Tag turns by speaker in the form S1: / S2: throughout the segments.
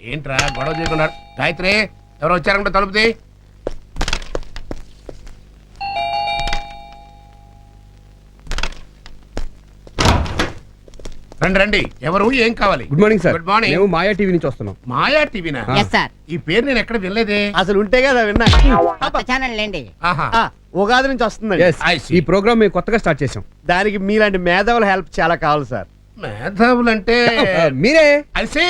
S1: ఏంట్రా గొడవ చేయకుండా? గాయత్రి, ఎవరో వచ్చారంటే తలుపుది. రండి రండి. ఎవరు, ఏం కావాలి?
S2: Good morning sir.
S1: Good morning.
S2: మేము మాయా టీవీ నుంచి వస్తున్నాం.
S1: మాయా టీవీనా? ఈ పేరు నేను ఎక్కడ వినలేదే.
S3: అసలు ఉంటే కదా విన్నా.
S4: ఛానల్ లేండి.
S1: ఆహా.
S3: ఉగాది నుంచి వస్తుందండి.
S2: Yes,
S1: I see.
S2: ఈ ప్రోగ్రామ్ మేము కొత్తగా స్టార్ట్ చేసాం.
S3: దానికి మీలాంటి మేధావుల హెల్ప్ చాలా కావాలి సార్.
S1: మేధావులంటే
S2: మీరే.
S1: అల్సి.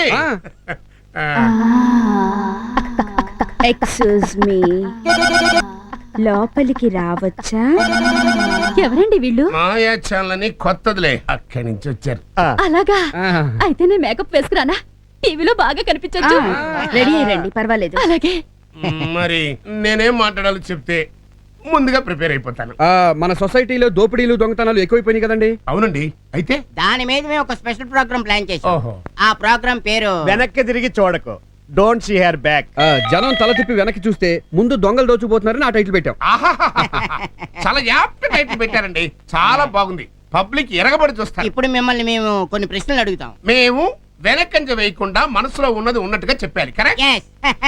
S5: ఎక్స్క్యూజ్ మీ, లోపలికి రావచ్చా?
S6: ఎవరండి వీళ్ళు?
S1: మాయా ఛానల్ అని కొత్తదిలే, అక్కడి నుంచి వచ్చారు.
S6: అలాగా?
S2: ఆ.
S6: అయితే నేను మేకప్ వేసుకురానా? టీవీలో బాగా కనిపించొచ్చు.
S5: రెడీ అయ్యండి, పర్వాలేదు.
S6: అలాగే.
S1: మరి నేనేం మాట్లాడాలో చెప్తే ముందుగా ప్రిపేర్ అయిపోతాను.
S2: మన సొసైటీలో దోపిడీలు దొంగతనాలు ఎక్కువైపోయినాయి కదండి.
S1: అవునండి. అయితే
S4: దాని మీద మేము ఒక స్పెషల్ ప్రోగ్రామ్ ప్లాన్ చేసాం.
S1: ఓహో.
S4: ఆ ప్రోగ్రామ్ పేరు
S3: వెనక్కి తిరిగి చూడకు, డోంట్ సీ హెర్ బ్యాక్.
S2: జనం తల తిప్పి వెనక్కి చూస్తే ముందు దొంగలు దోచుకుపోతున్నారని ఆ టైటిల్ పెట్టాం.
S1: ఆహాహాహా. చాలా యాప్ట్ టైటిల్ పెట్టారండి. చాలా బాగుంది. పబ్లిక్ ఎరగబడి చూస్తారు.
S4: ఇప్పుడు మిమ్మల్ని మేము కొన్ని ప్రశ్నలు అడుగుతాం.
S1: మేము వెనకంజ వేయకుండా మనసులో ఉన్నది ఉన్నట్టుగా చెప్పాలి. కరెక్ట్?
S4: Yes.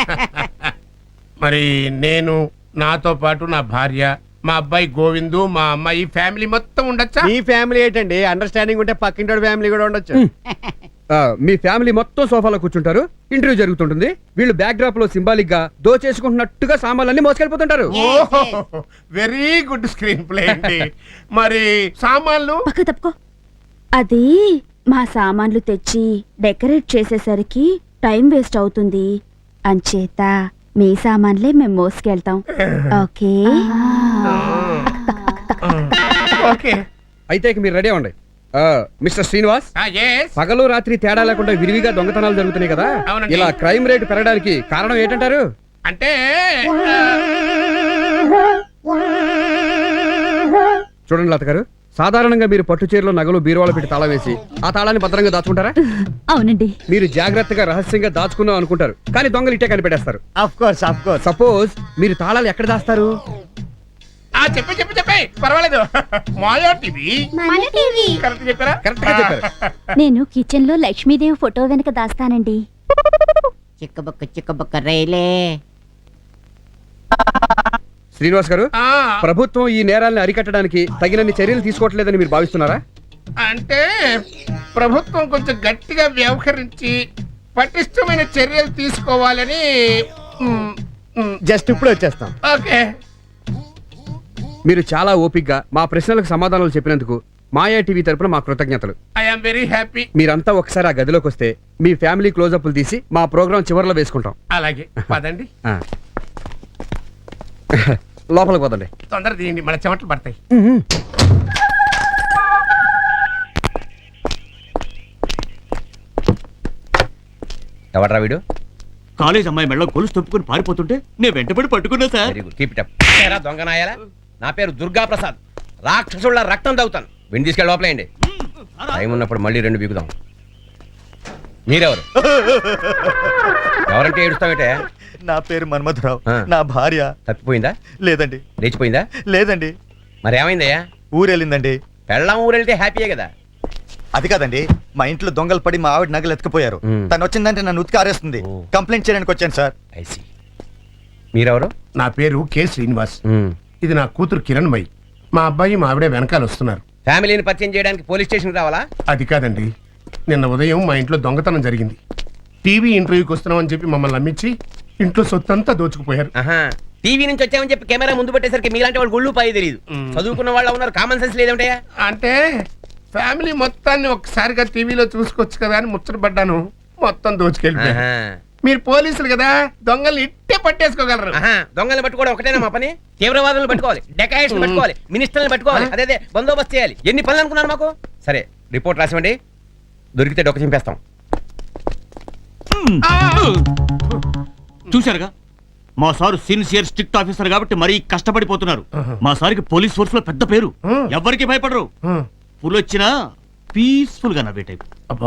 S1: మరి నేను, నాతో పాటు నా భార్య, మా అబ్బాయి గోవిందు, మా అమ్మాయి, ఫ్యామిలీ మొత్తం ఉండొచ్చా?
S3: మీ ఫ్యామిలీ ఏంటండి, అండర్స్టాండింగ్ ఉంటే పక్కింటి ఫ్యామిలీ కూడా ఉండొచ్చు.
S2: మీ ఫ్యామిలీ మొత్తం సోఫాలో కూర్చుంటారు. ఇంటర్వ్యూ జరుగుతుంటుంది. వీళ్ళు బ్యాక్ డ్రాప్ లో సింబాలిక్ గా దోచేసుకుంటున్నట్టుగా సామాన్లన్నీ మోసుకెళ్ళిపోతుంటారు.
S1: వెరీ గుడ్ స్క్రీన్ ప్లే అండి. మరి సామాన్లు?
S5: పక్క తప్పుకో. అది మా సామాన్లు తెచ్చి డెకరేట్ చేసేసరికి టైం వేస్ట్ అవుతుంది. అంచేత మీ సామాన్లే మేము మోసుకెళ్తాం. ఓకే?
S1: ఓకే.
S2: అయితే ఇక మీరు రెడీ అవ్వండి. Mister Srinivas,
S1: yes.
S2: పగలు రాత్రి తేడా లేకుండా విరివిగా దొంగతనాలు జరుగుతున్నాయి కదా,
S1: అవునండి.
S2: ఇలా క్రైమ్ రేట్ పెరగడానికి కారణం ఏంటంటారు?
S1: అంటే
S2: చూడండి లత గారు, సాధారణంగా మీరు పట్టు చీరలో నగలు బీరువాలో పెట్టి తాళం వేసి ఆ తాళాన్ని భద్రంగా దాచుకుంటారా?
S6: అవునండి.
S2: మీరు జాగ్రత్తగా రహస్యంగా దాచుకుందాం అనుకుంటారు, కానీ దొంగలు ఇట్టే కనిపెట్టేస్తారు.
S3: Of course.
S2: సపోజ్ మీరు తాళాలు ఎక్కడ దాస్తారు?
S1: చెప్పే పర్వాలేదు. మాయా టీవీ. కరెక్ట్ చెప్పారా?
S2: కరెక్ట్ గా చెప్పారు.
S6: నేను కిచెన్ లో లక్ష్మీదేవి ఫోటో వెనక దాస్తానండి.
S4: చిక్కబుక్క రైలే.
S2: శ్రీనివాస్ గారు,
S1: ఆ,
S2: ప్రభుత్వం ఈ నేరాలను అరికట్టడానికి తగినన్ని చర్యలు తీసుకోవట్లేదని మీరు భావిస్తున్నారా?
S1: అంటే ప్రభుత్వం కొంచెం గట్టిగా వ్యవహరించి పటిష్టమైన చర్యలు తీసుకోవాలని.
S3: జస్ట్ ఇప్పుడు వచ్చేస్తాం.
S1: ఓకే.
S2: మీరు చాలా ఓపిగ్గా మా ప్రశ్నలకు సమాధానాలు చెప్పినందుకు మాయా టీవీ తరపున మా కృతజ్ఞతలు.
S1: I am very happy.
S2: మీరంతా ఒకసారి ఆ గదిలోకి వస్తే మీ ఫ్యామిలీ క్లోజప్లు తీసి మా ప్రోగ్రాం చివరిలో వేసుకుంటాం.
S1: అలాగే పదండి.
S2: ఆ. లోపలికి పోదండి.
S1: తొందర తీయండి, మన చెమటలు పడతాయి.
S7: ఎవడ్రా వీడు?
S8: కాలేజ్ అమ్మాయి మెడలో గొలుసు తప్పుకుని పారిపోతుంటే నేను వెంటబడి పట్టుకున్నా sir.
S7: Very good, keep it up. ఏరా దొంగ నాయాలా, నా పేరు దుర్గా ప్రసాద్. రాక్షసుళ్ళ రక్తం తాగుతాను. విని తీసుకెళ్ళి లోపలేయండి. టైం ఉన్నప్పుడు మళ్ళీ 2 బీగుదాం. మీరెవరు? ఎవరంటే ఏడుస్తావేటే?
S9: నా పేరు మన్మథరావు.
S7: ఆ.
S9: నా భార్య
S7: తప్పిపోయిందా?
S9: లేదండి.
S7: లేచిపోయిందా?
S9: లేదండి.
S7: మరి ఏమైందయ్యా?
S9: ఊరెళ్ళిందండి.
S7: పెళ్ళాం ఊరెళ్తే హ్యాపీయే కదా.
S9: అది కాదండి, మా ఇంట్లో దొంగలు పడి మా ఆవిడ నగలు ఎత్తుకుపోయారు.
S7: మ్.
S9: తను వచ్చిందంటే నన్ను ఉతికి ఆరేస్తుంది.
S7: ఓ.
S9: కంప్లైంట్ చేయడానికి వచ్చాను సార్.
S7: ఐసి. మీరెవరు?
S1: నా పేరు కె శ్రీనివాస్. ఇది నా కూతురు కిరణ్మయి. మా అబ్బాయి మా ఆవిడే వెనకాల వస్తున్నారు.
S7: ఫ్యామిలీని పరిచయం చేయడానికి పోలీస్ స్టేషన్ రావాలా?
S1: అది కాదండి, నిన్న ఉదయం మా ఇంట్లో దొంగతనం జరిగింది. టీవీ ఇంటర్వ్యూకి వస్తున్నామని చెప్పి మమ్మల్ని నమ్మించి ఇంట్లో సొత్తంతా దోచుకుపోయారు.
S7: ఆహా, టీవీ నుంచి వచ్చామని చెప్పి కెమెరా ముందు పెట్టేసరికి మీలాంటి వాళ్ళు గుళ్ళు పాయి తెలియదు. చదువుకున్న వాళ్ళు ఉన్నారు, కామన్ సెన్స్ లేదంటయ్యా.
S1: అంటే ఫ్యామిలీ మొత్తాన్ని ఒక్కసారిగా టీవీలో చూసుకోవచ్చు కదా అని ముచ్చటపడ్డాను. మొత్తం దోచుకెళ్ళిపోయారు.
S7: ఆహా.
S1: మీరు పోలీసులు కదా, దొంగల్ని ఇట్టే పట్టేసుకోగలరు.
S7: ఆహా, దొంగల్ని పట్టుకోవడం ఒకటేనా మా పని? తీవ్రవాదులను పట్టుకోవాలి, డెకాయిట్స్ పట్టుకోవాలి, మినిస్టర్ని పట్టుకోవాలి, అదే బందోబస్తు చేయాలి. ఎన్ని పనులు అనుకున్నారు మాకు? సరే, రిపోర్ట్ రాసివ్వండి. దొరికితే డొక్క చింపేస్తాం.
S8: చూశారుగా, మా సారు సిన్సియర్ స్ట్రిక్ట్ ఆఫీసర్ కాబట్టి మరీ కష్టపడిపోతున్నారు. మా సారికి పోలీస్ ఫోర్స్ లో పెద్ద పేరు. ఎవరికి భయపడరు. ఫుల్ వచ్చినా పీస్ఫుల్ గా నవ్వే టైప్.
S1: అబ్బా,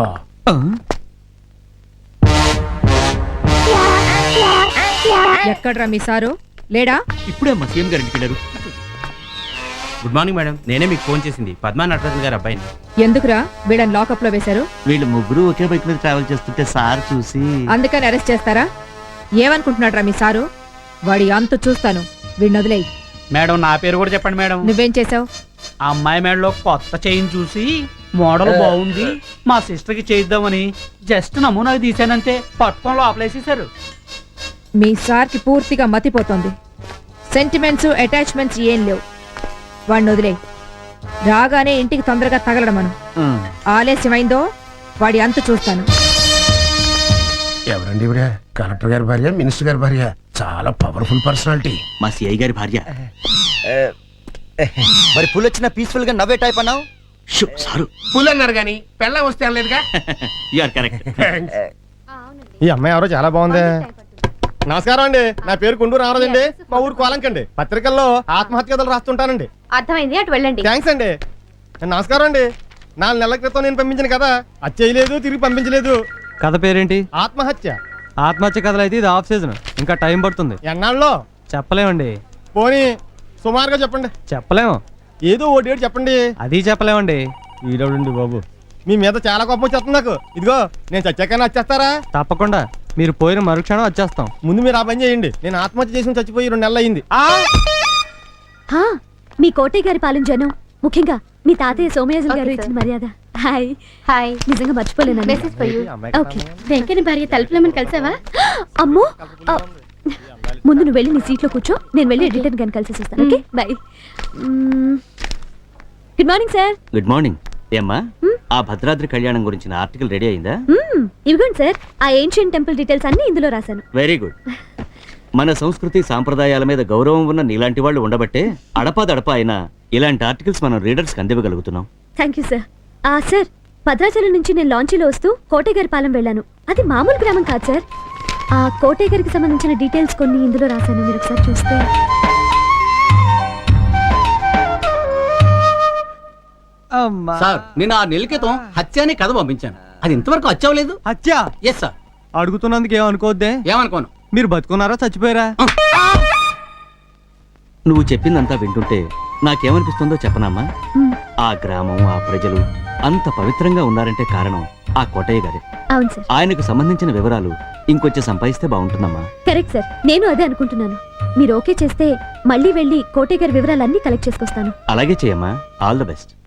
S10: ఎక్కడ్రా మీ సారు? లేడా?
S8: ఇప్పుడే మా సీఎం గారు ఇంటికి వెళ్ళారు.
S3: గుడ్ మార్నింగ్ మేడం, నేనే మీకు ఫోన్ చేసింది పద్మా నటరాజన్ గారి అబ్బాయిని.
S10: ఎందుకురా వీళ్ళని లాకప్ లో వేశారు?
S8: వీళ్ళు ముగ్గురు ఒకే బైక్ మీద ట్రావెల్ చేస్తుంటే సార్ చూసి
S10: అందుకని అరెస్ట్ చేస్తారా? ఏమనుకుంటున్నాడ్రా మీ సారు? వాడి అంతు చూస్తాను, వీడిని వదిలేయి.
S3: మేడం నా పేరు కూడా చెప్పండి మేడం.
S10: నువ్వేం చేసావు?
S3: ఆ అమ్మాయి మేడలో కొత్త చైన్ చూసి మోడల్ బాగుంది, మా సిస్టర్ కి చేయిద్దామని జస్ట్ నమూనాకి తీసానంతే, పట్టుకొని లోపలేసేసారు.
S10: మీ సార్కి పూర్తిగా మతిపోతుంది. సెంటిమెంట్స్ అటాచ్మెంట్స్ ఏం లేవు. వాడిని వదిలేయి. రాగానే ఇంటికి తొందరగా తగలడమను. ఆలస్యమైందో వాడి అంతు చూస్తాను.
S1: ఎవరండి ఇవిడ? కలెక్టర్ గారి భార్య, మినిస్టర్ గారి భార్య, చాలా పవర్ఫుల్ పర్సనాలిటీ.
S8: మా సిఐ గారి భార్య.
S9: మరి పుల్ వచ్చిన పీస్ఫుల్ గా నవ్వే టైప్ అన్నావు.
S8: సారు
S1: పుల్ అన్నారు కానీ పెళ్ళం వస్తే అనలేదుగా.
S8: You are correct.
S3: ఈ అమ్మాయి ఎవరో చాలా బాగుంది. నమస్కారం అండి, నా పేరు గుండూరు రామరాజండి, మా ఊరు కోలంకండి. పత్రికల్లో ఆత్మహత్య కథలు రాస్తుంటానండి.
S6: అర్థమైంది, అటు వెళ్ళండి.
S3: థ్యాంక్స్ అండి. నమస్కారం అండి. 4 నెలల క్రితం నేను పంపించిన కథ అది చేయలేదు, తిరిగి పంపించలేదు.
S11: కథ పేరేంటి?
S3: ఆత్మహత్య.
S11: ఆత్మహత్య కథలు అయితే ఇది ఆఫ్ సీజన్, ఇంకా టైం పడుతుంది.
S3: ఎన్నాళ్ళలో?
S11: చెప్పలేమండి.
S3: పోనీ సుమారుగా చెప్పండి.
S11: చెప్పలేము.
S3: ఏదో ఓ డేట్ చెప్పండి.
S11: అది చెప్పలేమండి.
S3: ఈడవుడండి బాబు, మీ మీద చాలా కోపం వచ్చేస్తుంది నాకు. ఇదిగో నేను చచ్చాకైనా వచ్చేస్తారా?
S11: తప్పకుండా, మీరు పోయిన మరుక్షణం వచ్చేస్తాం.
S3: ముందు మీరు ఆ పని చేయండి. నేను ఆత్మహత్య చేసి చచ్చిపోయి 2 నెలలు అయింది.
S6: మీ కోటయ్య గారి పాలన జనం, ముఖ్యంగా మీ తాతయ్య సోమయాజులు గారు ఇచ్చిన మర్యాద. హాయ్ హాయ్, నిజంగా మర్చిపోలేను. ఓకే, వెంకన్న భార్య తలుపులమని కలిసావా? అమ్మో, ముందు నువ్వు వెళ్ళి నీ సీట్లో కూర్చో, నేను వెళ్ళి ఎడిటర్ గారిని కలిసి వస్తాను. Okay bye. Good morning sir.
S8: Good morning. ఏమ్మా, ఆ భద్రాద్రి కళ్యాణం గురించిన ఆర్టికల్ రెడీ అయిందా?
S6: ఇదిగోండి సార్, ఆ ఏన్షియంట్ టెంపుల్ డీటెయిల్స్ అన్ని ఇందులో రాశాను.
S8: Very good. మన సంస్కృతి సాంప్రదాయాల మీద గౌరవం ఉన్న నీలాంటి వాళ్ళు ఉండబట్టే అడపాదడపా అయినా ఇలాంటి ఆర్టికల్స్ మనం రీడర్స్కి అందివ్వగలుగుతున్నాం.
S6: Thank you sir. Sir, Bhadrachalam నుంచి నేను లాంచీలో వస్తూ కోటయ్య గారి పాలెం వెళ్ళాను. అది మామూలు గ్రామం కాదు సార్. ఆ కోటయ్య గారికి సంబంధించిన డీటెయిల్స్ కొన్ని ఇందులో రాశాను, మీరు ఒకసారి చూస్తే.
S3: సార్, నేను 6 నెలల క్రితం హత్య అనే కథ పంపించాను. అది ఇంతవరకు వచ్చావలేదు.
S11: హత్య?
S3: Yes sir.
S11: అడుగుతున్నందుకు ఏమనుకోవద్దే.
S3: ఏమనుకోను.
S11: మీరు బతుకున్నారా చచ్చిపోయారా?
S8: నువ్వు చెప్పిందంతా వింటుంటే నాకేమనిపిస్తుందో చెప్పనమ్మా. ఆ గ్రామం, ఆ ప్రజలు అంత పవిత్రంగా ఉన్నారంటే కారణం ఆ కోటయ్య గారే.
S6: అవును సార్.
S8: ఆయనకు సంబంధించిన వివరాలు ఇంకొంచెం సంపాదిస్తే బాగుంటుందమ్మా.
S6: కరెక్ట్ సార్, నేను అదే అనుకుంటున్నాను. మీరు ఓకే చేస్తే మళ్ళీ వెళ్ళి కోటయ్య గారి వివరాలన్నీ కలెక్ట్ చేసుకొస్తాను.
S8: అలాగే చేయమ్మా. All the best.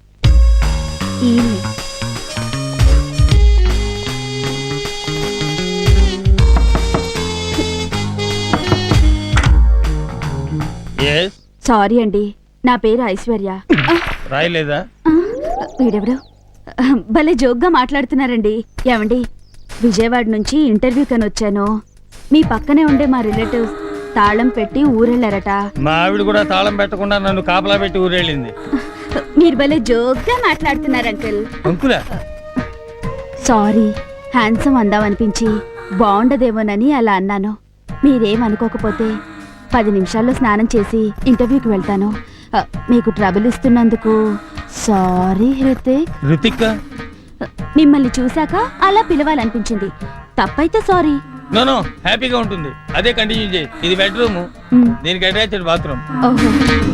S5: సారీ అండి, నా పేరు ఐశ్వర్య.
S3: రాయలేదా?
S5: వీడెవడు భలే జోక్గా మాట్లాడుతున్నారండి. ఏమండి, విజయవాడ నుంచి ఇంటర్వ్యూ కని వచ్చాను. మీ పక్కనే ఉండే మా రిలేటివ్స్ తాళం పెట్టి ఊరెళ్ళారట.
S11: మా ఆవిడ కూడా తాళం పెట్టకుండా నన్ను కాపలా పెట్టి ఊరెళ్ళింది.
S5: మీరు భలే జోక్గా మాట్లాడుతున్నారు అంకుల్.
S11: అంకులా?
S5: సారీ, హ్యాండ్సమ్ అందామనిపించి బాగుండదేమోనని అలా అన్నాను. మీరేమనుకోకపోతే 10 నిమిషాల్లో స్నానం చేసి ఇంటర్వ్యూకి వెళ్తాను. మీకు ట్రబుల్ ఇస్తున్నందుకు సారీ హృతిక్.
S11: రుతిక్?
S5: మిమ్మల్ని చూశాక అలా పిలవాలనిపించింది. తప్పైతే సారీ.
S11: నో, హ్యాపీగా ఉంటుంది. అదే కంటిన్యూ చేయి. ఇది బెడ్రూమ్, దీనికి అటాచ్డ్ బాత్రూమ్.
S5: ఓహో.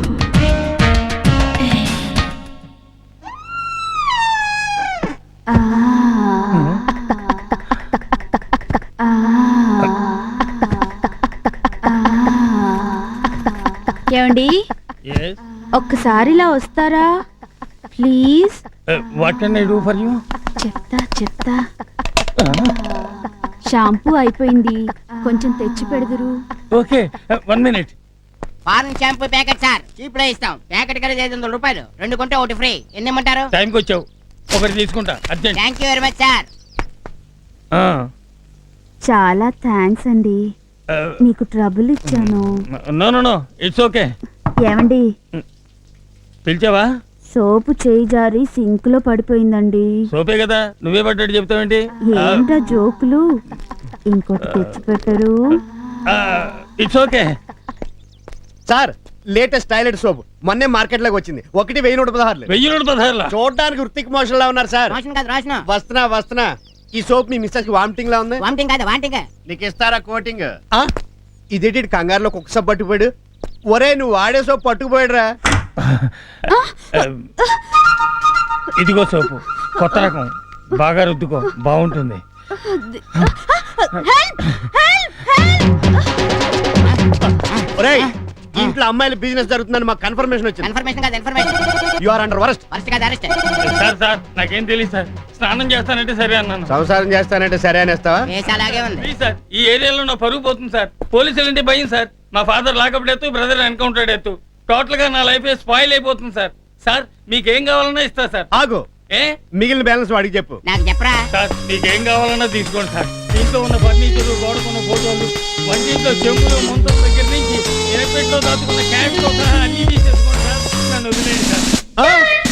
S5: ఏమండి, ఒక్కసారి ఇలా వస్తారా please?
S11: What can I do for you?
S5: చెప్తా. షాంపూ అయిపోయింది, కొంచెం తెచ్చి పెడదురు.
S11: Okay, 1 minute.
S4: Foreign shampoo packet sir, cheap లో ఇస్తాం. ప్యాకెట్ ఖరీదు 500 రూపాయలు, 2 కొంటే 1 ఫ్రీ. ఎన్ని ఇమ్మంటారు?
S11: టైంకి వచ్చావు, ఒకటి తీసుకుంటా. Urgent.
S4: Thank you very much sir.
S5: చాలా థ్యాంక్స్ అండి, మీకు ట్రబుల్ ఇచ్చాను.
S11: No, it's okay.
S5: ఏమండి,
S11: పిలిచావా?
S5: సోపు చేయి జారి సింక్ లో పడిపోయిందండి.
S11: సోపే కదా, నువ్వే పడ్డట్టు చెప్తావేంటి?
S5: ఏంటా జోకులు? ఇంకోటి తెచ్చి పెట్టరు.
S11: It's okay
S3: sir, latest toilet soap మొన్నే మార్కెట్ లోకి వచ్చింది. 1,116.
S11: 1,116.
S3: చూడడానికి వృత్తిక్ మోషన్ లా ఉన్నారు సార్.
S4: రోషన్ కాదు, రోషన్.
S3: వస్తున్నా. ఈ సోప్ మీ మిస్సెస్ కి వామిటింగ్ లా ఉంది.
S4: వామిటింగ్ కాదు, వాంటింగ్.
S3: నీకు ఇస్తారా కోటింగ్? ఇదేంటి కంగారులో కుక్క సోప్ పట్టుకుపోయాడు? ఒరే, నువ్వు వాడే సోప్ పట్టుకుపోయాడురా.
S11: ఇదిగో సోపు కొత్త రకం, బాగా రుద్దుకో, బాగుంటుంది.
S1: ఇంట్లో అమ్మాయిల బిజినెస్ జరుగుతుందని మాకు కన్ఫర్మేషన్ వచ్చింది.
S4: కన్ఫర్మేషన్ కాదు information.
S1: You are under arrest.
S4: First కాదు అరెస్ట్.
S11: సార్ నాకేం తెలియదు సార్. స్నానం చేస్తానంటే సరే అన్నాను.
S1: సంసారం చేస్తానంటే సరే అనేస్తావా?
S4: కేసు అలాగే ఉంది.
S11: ప్లీజ్ సార్, ఈ ఏరియాలో నా పరుగు పోతుంది సార్. పోలీసులు అంటే భయం సార్. మా father lockup death, brother encounter death. Total గా నా లైఫ్ స్పాయిల్ అయిపోతుంది సార్. సార్ మీకేం కావాలన్నా ఇస్తా సార్.
S1: ఆగు,
S11: ఏ
S1: మిగిలిన బ్యాలెన్స్ వాడికి చెప్పు.
S4: నాకు చెప్పరా.
S11: సార్ మీకేం కావాలన్నా తీసుకోండి సార్. దీంట్లో ఉన్న ఫర్నిచర్, గోడకున్న ఫోటోలు, వంటింట్లో చెంబులు, ముంతల దగ్గర నుంచి ఎనపెట్లో దాచుకున్న క్యాష్ తో సహా అన్ని తీసేసుకోండి సార్. నన్ను వదిలేయండి సార్.